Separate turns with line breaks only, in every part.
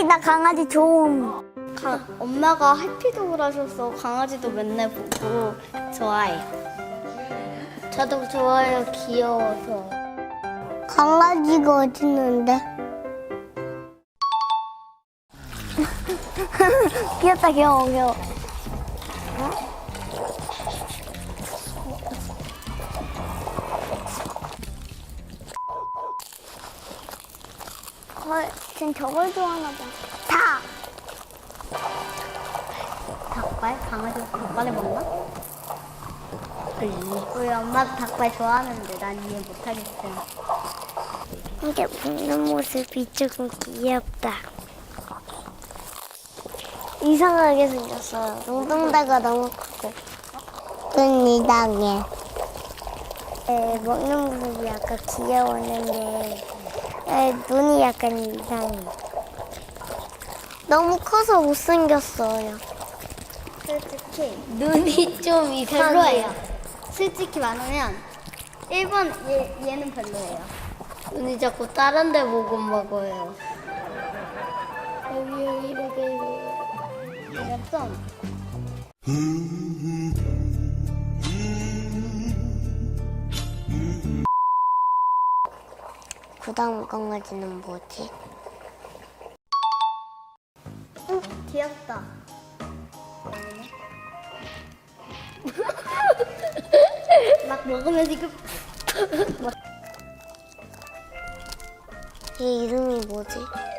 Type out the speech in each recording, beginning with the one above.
나 강아지 좋음.
엄마가 해피독을 하셔서 강아지도 맨날 보고 좋아해요. 저도 좋아요. 귀여워서.
강아지가 어디 있는데? 귀엽다, 귀여워, 귀여워. 쟨 저걸 좋아하나 봐. 닭!
닭발? 강아지가 닭발을 먹나? 우리 엄마도 닭발 좋아하는데 난 이해 못하겠어.
이게 먹는 모습이 조금 귀엽다. 이상하게 생겼어요. 눈동자가 너무 크고. 눈 이상해. 먹는 모습이 약간 귀여웠는데 눈이 약간 이상해. 너무 커서 못생겼어요.
솔직히 눈이 좀 별로예요. 솔직히 말하면 1번 얘는 별로예요. 눈이 자꾸 다른 데 보고 먹어요. 여기 이렇게 좀
그 다음 강아지는 뭐지?
귀엽다. 막 먹으면 지금
얘 이름이 뭐지?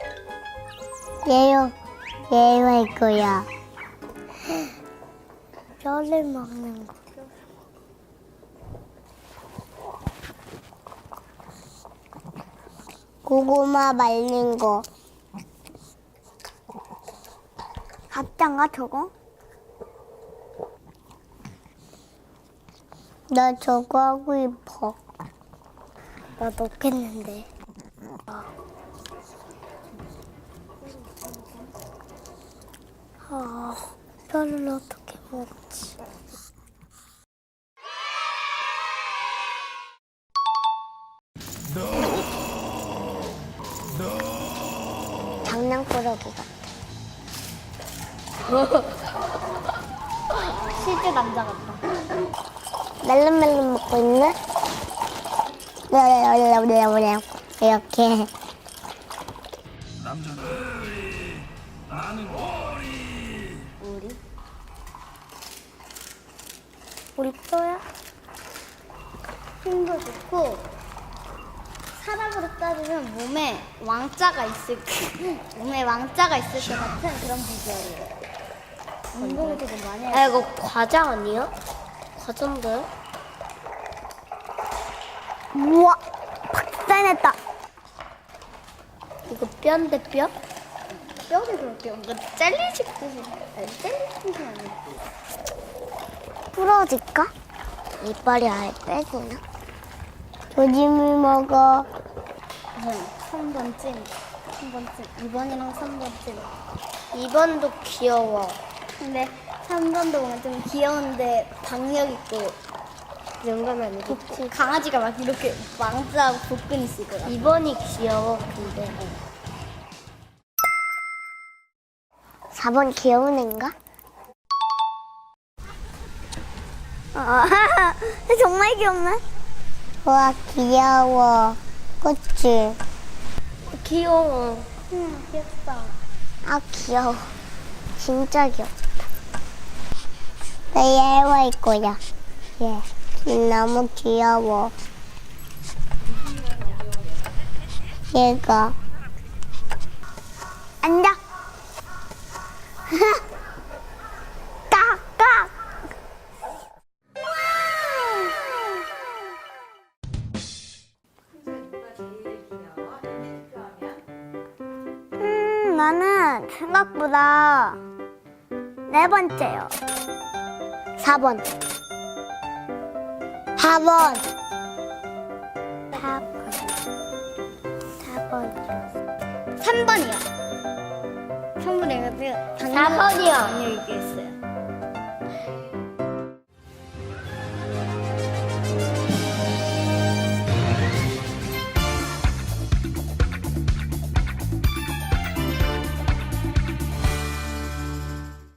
얘요. 얘요 할 거야. 뼈를 먹는 거. 고구마 말린 거. 가짜인가 저거? 나 저거 하고 싶어. 나 넣겠는데. 뼈를 어떻게 먹지? 장난꾸러기 같아.
실제 남자 같다.
멜론멜론 먹고 있네? 이렇게. 우리 뼈야?
힘도 좋고 사람으로 따지면 몸에 왕자가 있을 것 같은 그런 비주얼이에요. 운동을 되게 많이 해요.
이거 과자 아니야? 과자인데? 우와! 박살냈다! 이거 뼈인데 뼈?
뼈를 그렇게 뭔가 젤리식 듯이 젤리식 아니야?
부러질까? 이빨이 아예 빼지나? 조짐을 먹어.
3번 찜. 2번이랑 3번 찜.
2번도 귀여워.
근데 3번도 뭔가 좀 귀여운데 박력 있고
영감이 아니고.
강아지가 막 이렇게 왕자 복근 있을 것 같아.
2번이 귀여워, 근데. 4번 귀여운 애인가? 정말 귀엽네. 와, 귀여워. 그치? 귀여워.
응, 귀엽다.
아, 귀여워. 진짜 귀엽다. 나 얘와 할 거야. 얘 너무 귀여워. 얘가. 앉아. 깍깍. 나는 생각보다 4번째요. 4번. 4번. 4번.
3번이요. 3번이요.
4번이요.
안녕히 계세요.